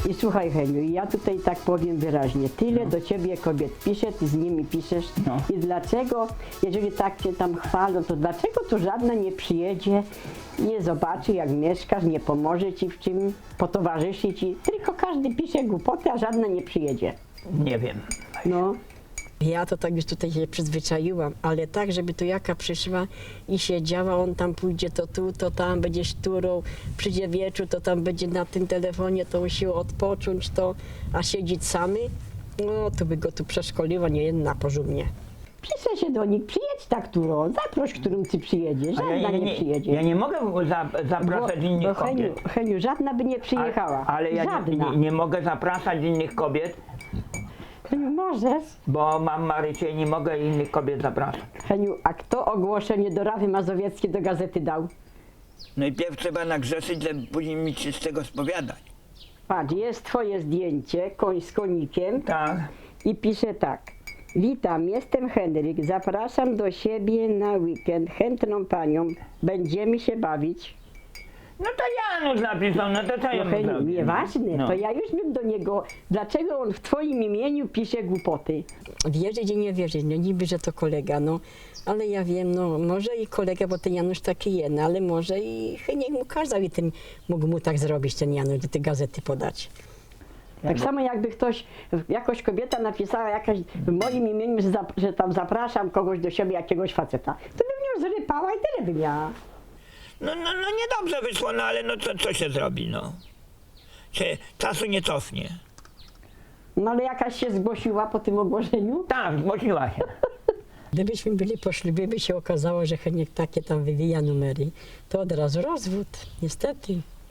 I słuchaj, Heniu, ja tutaj tak powiem wyraźnie, tyle do ciebie kobiet pisze, ty z nimi piszesz i dlaczego, jeżeli tak cię tam chwalą, to dlaczego tu żadna nie przyjedzie, nie zobaczy jak mieszkasz, nie pomoże ci w czym, potowarzyszy ci, tylko każdy pisze głupoty, a żadna nie przyjedzie. Nie wiem. No. Ja to tak już tutaj się przyzwyczaiłam, ale tak, żeby tu jaka przyszła i siedziała, on tam pójdzie to tu, to tam, będzie szturą, przyjdzie wieczór, to tam będzie na tym telefonie, to musi odpocząć, to, a siedzieć samy, no to by go tu przeszkoliła nie jedna porządnie. Pisze się do nich, przyjedź tak, którą, zaproś, którym ty przyjedziesz, żadna nie przyjedzie. Ja nie mogę zapraszać innych kobiet. Heniu, żadna by nie przyjechała, Ale ja żadna. nie mogę zapraszać innych kobiet, Heniu, możesz. bo mam Marysię i nie mogę innych kobiet zapraszać. Heniu, a kto ogłoszenie do Rawy Mazowieckiej do gazety dał? Najpierw trzeba nagrzeszyć, żeby później mieć się z tego spowiadać. Patrz, jest twoje zdjęcie, koń z konikiem Tak. i pisze tak. Witam, jestem Henryk, zapraszam do siebie na weekend, chętną panią, będziemy się bawić. No to Janusz napisał, no to co ja No mu Heniu, zrobię? nieważne, No. to ja już bym do niego, dlaczego on w twoim imieniu pisze głupoty? Wierzyć i nie wierzyć, no niby, że to kolega, no, ale ja wiem, no może i kolega, bo ten Janusz taki jest, no, ale może i Heniek mu kazał i ten mógł mu tak zrobić, ten Janusz, do tej gazety podać. Tak samo jakby ktoś, jakoś kobieta napisała jakaś w moim imieniu, że tam zapraszam kogoś do siebie, jakiegoś faceta, to bym ją zrypała i tyle by miała. No niedobrze wyszło, no ale no co się zrobi, no. Się czasu nie cofnie. No ale jakaś się zgłosiła po tym ogłoszeniu? Tak, zgłosiła się. Gdybyśmy byli po ślubie, by się okazało, że Heniek takie tam wywija numery, to od razu rozwód, niestety.